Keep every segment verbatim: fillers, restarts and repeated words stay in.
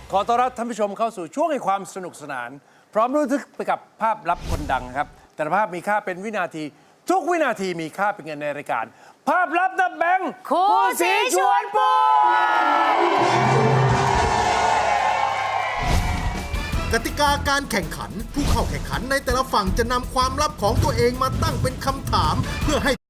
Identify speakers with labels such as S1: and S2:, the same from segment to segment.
S1: ขอต้อนรับท่านผู้ชมเข้าสู่ช่วงแห่งความสนุกสนานพร้อมรู้ทึกไปกับภาพลับคนดังครับแต่ละภาพมีค่าเป็นวินาทีทุกวินาทีมีค่าเป็นเงินในรายการภาพลับนับแบงค์
S2: คู่สีชวนปู
S3: กติกาการแข่งขันผู้เข้าแข่งขันในแต่ละฝั่งจะนำความลับของตัวเองมาตั้งเป็นคำถามเพื่อให้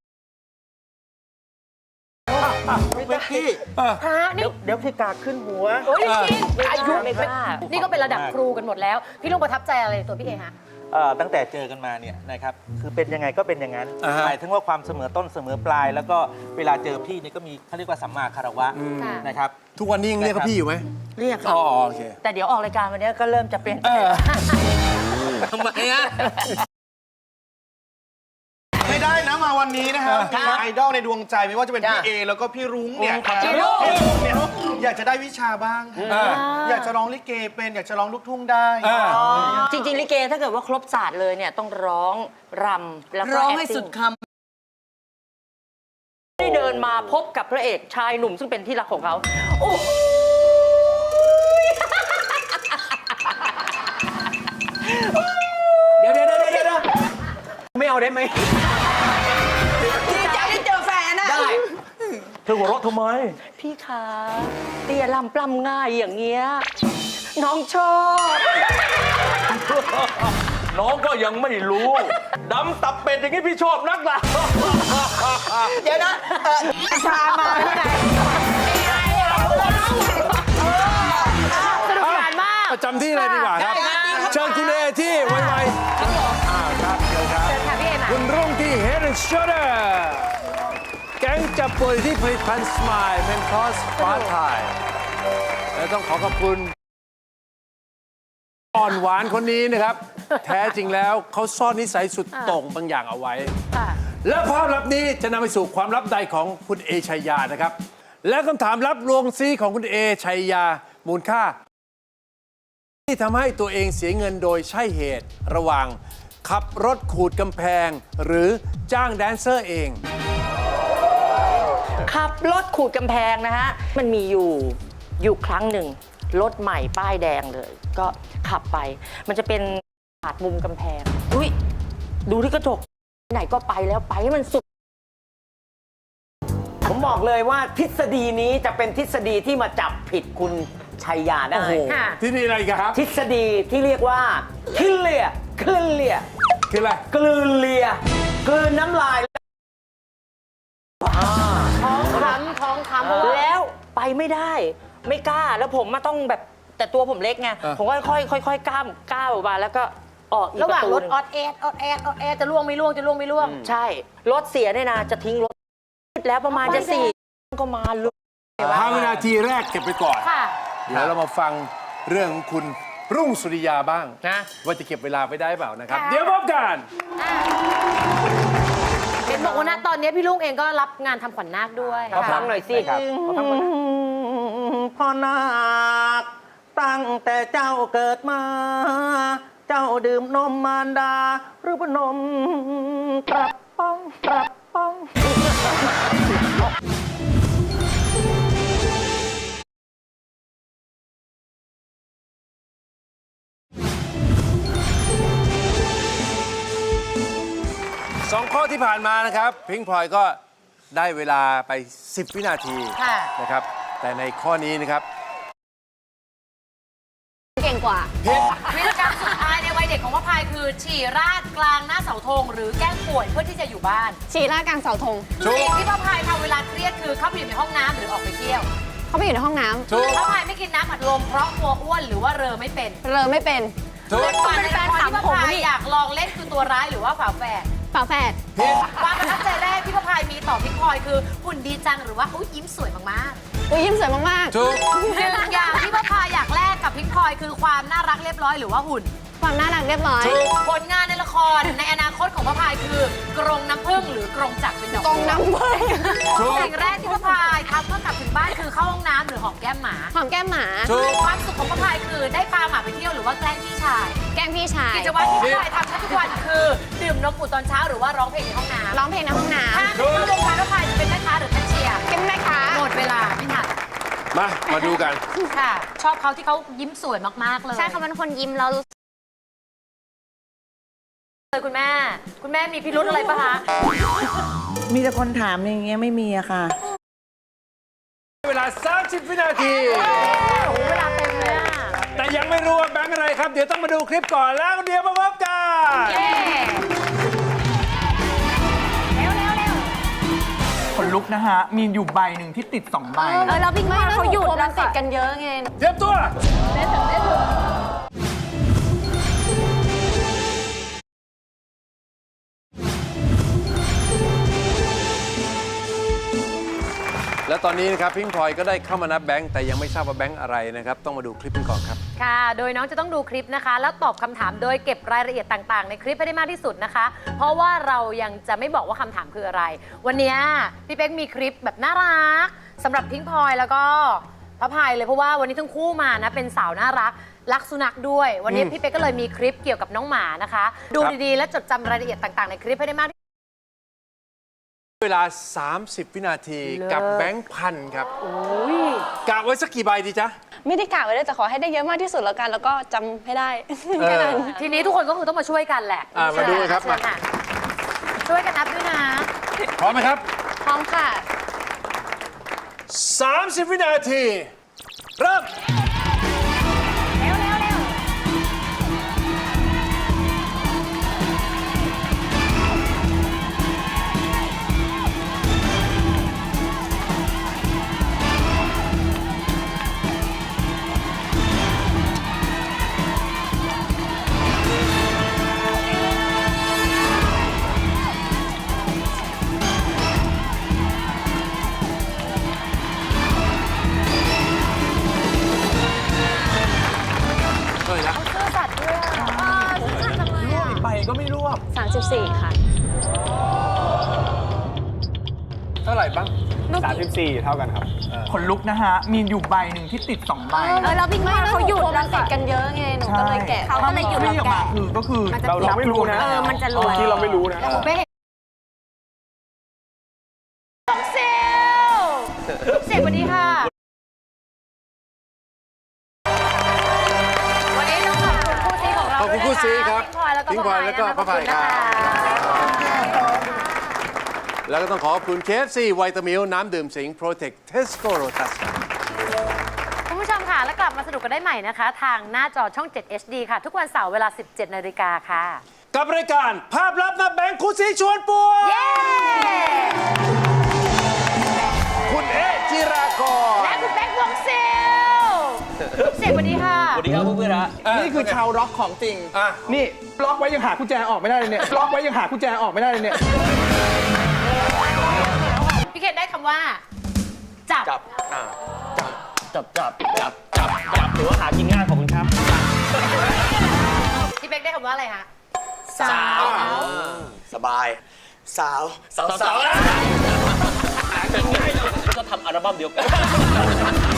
S4: เบกกี้เดี๋ยวเดี๋ยวพี่กาขึ้นหัว
S2: โอ้ยจริงอายุ
S4: ไม่กล้า
S2: นี่ก็เป็นระดับครูกันหมดแล้ว พี่ลุงประทับใจอะไรตัวพี่เอฮะ
S4: เอ่อตั้งแต่เจอกันมาเนี่ยนะครับคือเป็นยังไงก็เป็นอย่างนั้น
S1: อ่าฮะ
S4: หมายถึงว่าความเสมอต้นเสมอปลาย แล้วก็เวลาเจอพี่เนี่ยก็มีเขาเรียกว่าสัมมาคารวะ
S2: ค่ะ
S4: นะครับ
S1: ทุกวันนี้ยังเรียกเขาพี่อยู่ไหม
S5: เรียก
S1: อ๋
S5: ค่ะ
S1: อโอเค
S5: แต่เดี๋ยวออกรายการวันนี้ก็เริ่มจะเปลี่ยน
S1: เออ
S4: ทำไมอ่ะ
S6: ไม่ได้นะมาวันนี้นะครับมีไอดอลในดวงใจไม่ว่าจะเป็นพี่เอแล้วก็พี่รุ้งเนี่ยพี่รุ้งเนี่ยอยากจะได้วิชาบ้าง
S1: อ่า
S6: อยากจะร้องลิเกเป็นอยากจะร้องลูกทุ่งได้
S1: อ่า
S5: จริง ๆ ลิเกถ้าเกิดว่าครบศาสตร์เลยเนี่ยต้องร้องรำแล้วก็
S7: ร้องให้
S5: acting
S7: สุดค
S5: ได้เดินมาพบกับพระเอกชายหนุ่มซึ่งเป็นที่รักของเขาโอ้โห
S4: เดี๋ยวเดี๋ยวเดี๋ยวเดี๋ยวไม่เอาได้ไหม
S7: ำดีใจได้เจอแฟนอะ
S4: ได้เธอหัวเราะทำไม
S5: พี่คะเตี้ยลำปล้ำง่ายอย่างเงี้ยน้องชอบ
S4: น้องก็ยังไม่รู้ดำตับเป็ดอย่างนี้พี่ชอบนักล่ะ
S7: เดี๋ยวนะเอ่อชามาที่ไหน
S2: สนุกสนานมาก
S1: ประจำที่เลยดีกว่าครับ เชิญคุณเอที่ไวๆอ่าครับเชิญครับ
S2: เชิญค่ะพี่เอมา
S1: คุณรุ่งที่ Head and Shoulder แก๊งจับป่วยที่ผลิตภัณฑ์สมายเป็นคอสฟ้าไทยและต้องขอขอบคุณอ่อนหวานคนนี้นะครับ แท้จริงแล้วเขาซ่อนนิสัยสุดโต่งบางอย่างเอาไว้
S2: ค่ะ
S1: และภาพลับนี้จะนำไปสู่ความลับใดของคุณเอชัยยานะครับ และคำถามลับลวงซีของคุณเอชัยยามูลค่า ที่ทำให้ตัวเองเสียเงินโดยใช่เหตุระหว่างขับรถขูดกำแพง หรือจ้างแดนเซอร์เอง
S5: ขับรถขูดกำแพงนะฮะมันมีอยู่อยู่ครั้งหนึ่งรถใหม่ป้ายแดงเลย ก็ขับไป มันจะเป็นปาดมุมกำแพงอุ้ยดูที่กระจกไหนก็ไปแล้วไปให้มันสุด
S8: ผมบอกเลยว่าทฤษฎีนี้จะเป็นทฤษฎีที่มาจับผิดคุณชัยยาได้
S1: โอ้โห
S2: ค่ะ
S1: ที่นี่อะไรกันครับ
S8: ทฤษฎีที่เรียกว่าคลืนเลียคลืนเลีย
S1: คืออะไร
S8: กลืนเลียกลืนน้ำลาย
S2: ท้องคล้ำท้องคล้ำ
S5: แล้วไปไม่ได้ไม่กล้าแล้วผมมาต้องแบบแต่ตัวผมเล็กไง
S1: เออ
S5: ผมก็ค่อยๆค่อยๆก้าวก้าวออกมาแล้วก็ออกอีก
S2: ระห
S5: ป
S2: ว่าง
S5: ระตู
S2: รถ
S5: หนึ่ง
S2: ออดแอดออดแอดออดแอดจะล่วงไม่ล่วงจะล่วงไม่ล่วง
S5: ใช่รถเสียเนี่ยนะจะทิ้งรถแล้วประมาณจะสี่ก็มาลุก
S1: ห้าวินาทีแรกเก็บไปก่อน
S2: ค่ะ
S1: เดี๋ยวเรามาฟังเรื่องของคุณรุ่งสุริยาบ้าง
S5: นะ
S1: ว่าจะเก็บเวลาไปได้เปล่านะครับ
S2: ค่ะ
S1: เดี๋ยวพบกัน
S2: เห็นบอกว่าณตอนนี้พี่ลุงเองก็รับงานทำขวัญนาคด้วย
S8: ขอฟังหน่อยสิ
S4: ครับขอฟังหน่อย
S8: พ่อนาคตั้งแต่เจ้าเกิดมา เจ้าดื่มนมมารดา หรือว่านมกระป๋องกระป๋อง
S1: สองข้อที่ผ่านมานะครับพิงพลอยก็ได้เวลาไป สิบ วินาที
S2: ค่ะ
S1: นะครับ แต่ในข้อนี้นะครับ
S2: เก่งกว่าวิธีการสุดท้ายในวัยเด็กของพระพายคือ ฉี่ราดกลางหน้าเสาธงหรือแกล้งป่วยเพื่อที่จะอยู่บ้าน
S9: ฉี่ราดกลางเสาธง
S1: ถูก
S2: สิ่งที่พระพายทำเวลาเครียดคือเข้าไปอยู่ในห้องน้ำหรือออกไปเที่ยว
S9: เขาไปอยู่ในห้องน้ำ
S1: ถูก
S2: พระพายไม่กินน้ำอัดลมเพราะกลัวอ้วนหรือว่าเรอไม่เป็น
S9: เรอไม่เป็น
S1: ถูก
S2: และก่อนในละครที่พระพายอยากลองเล่นคือตัวร้ายหรือว่าฝาแฝด
S9: ฝาแฝด
S2: ความประทับใจแรกที่พระพายมีต่อพิงพลอยคือหุ่นดีจังหรือว่าอุ๊ยยิ้มสวยมาก
S9: อุ้ยยิ้มสวยมาก
S1: ถูก
S2: ๆหนึ่งอย่างที่พระพายอยากแลกกับพิงพลอยคือความน่ารักเรียบร้อยหรือว่าหุ่น
S9: ๆ ความน่ารักเรียบร้อย
S2: ผลงานในละครในอนาคตของพระพายคือกรงน้ำผึ้งหรือกรงจักรเป็นดอก
S9: กองน้ำเบิ้ล
S1: ถูก
S2: สิ่งแรกที่พระพายทำเมื่อกลับถึงบ้านคือเข้าห้องน้ำหรือหอมแก้มหมา
S9: หอมแก้มหมา
S1: ถูก
S2: ความสุขของพระพายคือได้พาหมาไปเที่ยวหรือว่าแกล้งพี่ชาย
S9: แกล้งพี่ชาย
S2: กิจวัตรที่พระพายทำแทบทุกวันคือดื่มนมอุ่นตอนเช้าหรือว่าร้องเพลงในห้องน้ำ
S9: ร้องเพลงในห้องน้
S2: ถ้าไม่เข้าวงการพระพายจะเป็นแม่ค้าหรือแคชเชียร์
S9: ำเป็นแม่ค้า
S2: หมดเวลาพี่ถัด
S1: มา มาดูกัน
S2: ค่ะ ชอบเขาที่เขายิ้มสวยมากๆเลย
S9: ใช่เขาเป็นคนยิ้มเรารู้สึก
S2: เลยคุณแม่ คุณแม่มีพิรุธอะไรปะคะ
S7: มีแต่คนถามอย่างเงี้ยไม่มีอะค่ะ
S1: เวลา สามสิบ วินาที
S2: โอ้โหเวลาเต็มเลยอะ
S1: แต่ยังไม่รู้ว่าแบงค์อะไรครับ เดี๋ยวต้องมาดูคลิปก่อนแล้วเดี๋ยวมาพบกัน
S2: เย้เร็วเร็วเร็ว
S8: คนลุกนะฮะ มีอยู่ใบหนึ่งที่ติดสองใบ
S9: เออเราพิงว่าเขาหยุดเราติดกันเยอะไง
S1: เตรียมตัว แล้วตอนนี้นะครับพิงพลอยก็ได้เข้ามานับแบงค์แต่ยังไม่ทราบว่าแบงค์อะไรนะครับ ต้องมาดูคลิปกันก่อนครับ
S2: ค่ะ โดยน้องจะต้องดูคลิปนะคะ แล้วตอบคำถามโดยเก็บรายละเอียดต่างๆ ในคลิปให้ได้มากที่สุดนะคะ เพราะว่าเรายังจะไม่บอกว่าคำถามคืออะไร วันนี้พี่เป๊กมีคลิปแบบน่ารักสำหรับพิงพลอยแล้วก็พระพายเลยเพราะว่าวันนี้ทั้งคู่มานะเป็นสาวน่ารักรักสุนัขด้วย วันนี้พี่เป๊กก็เลยมีคลิปเกี่ยวกับน้องหมานะคะ ดูดีๆ และจดจำรายละเอียดต่างๆในคลิปให้ได้มากที่สุด
S1: เวลา สามสิบ วินาที
S2: เลิศ
S1: กับแบงค์พันครับกะไว้สักกี่ใบดีจ๊ะ
S9: ไม่ได้กะไว้เลยแต่ขอให้ได้เยอะมากที่สุดแล้วกัน แล้วก็จำให้ได้
S1: เออ
S9: แค่นั้น
S2: ทีนี้ทุกคนก็คือต้องมาช่วยกันแหละ
S1: อ่ะมาดูกันครับ
S2: เชิญะช่วยกันนับด้วยนะ
S1: พร้อมไหมครับ
S9: พร้อมค่ะ
S1: สามสิบ วินาที เริ่ม
S2: เร็วเร็วเร็ว
S1: เท่าไหร่นะ
S2: ซื่อสัตย์ด้วยอ่ะซื่อสัตย์จังเลยอ่ะ
S8: ใบก็ไม่รวบ
S9: สามสิบสี่ ค่ะ
S1: เท่าไหร่บ้าง
S6: สามสิบสี่ เท่ากันครับ
S8: คนลุกนะฮะ มีอยู่ใบหนึ่งที่ติดสองใบ
S9: เออเราพิงว่าเขาหยุดเราติดกันเยอะไง หนูก็เลยแกะเขาก็เลยหยุดเรา
S8: ออกมา
S9: แกะ
S8: คือก็คือ
S6: เราเราไม่รู้นะ
S9: เออมันจะรวย
S6: ที่เราไม่รู้นะ
S2: แต่ผมเป๊กน้องเซลเซลสวัสดีค่ะ วันนี้ต้องขอบคุณคู่ซีของเรา
S1: ขอบคุณคู่ซีครับ
S2: พิงพลอยแล้วก็
S1: พิงพลอยแล้วก็พระพายครับ แล้วก็ต้องขอขอบคุณ เค เอฟ ซี ไวตามิลน้ำดื่มสิง Protect Tesco Rotus ครับ
S2: คุณผู้ชมค่ะ แล้วกลับมาสนุกกันได้ใหม่นะคะ ทางหน้าจอช่อง เจ็ด เอช ดี ค่ะ ทุกวันเสาร์เวลา สิบเจ็ดนาฬิกาค่ะ
S1: กับรายการภาพลับนับแบงค์คู่ซีชวนป่วย
S2: เย้
S1: คุณเอะจิรากร
S2: และคุณแบงค์วงเซลเซลสวัสดีค่ะ
S4: สวัสดีครับเพื่อนๆฮะ
S8: นี่คือชาวร็อกของจริง
S1: อ่ะ
S8: นี่ล็อกไว้ยังหากุญแจออกไม่ได้เลยเนี่ย ล็อกไว้ยังหากุญแจออกไม่ได้เลยเนี่ย
S2: พี่เคนได้คำว่า จับ
S4: จับจับ จับ จับ จับ จับ จับถือว่าหากินง่ายขอบคุณครับ
S2: พี่เป๊กได้คำว่าอะไรคะ
S4: สาว สบาย สาว สาว สาวก็ทำอัลบั้มเดียวกัน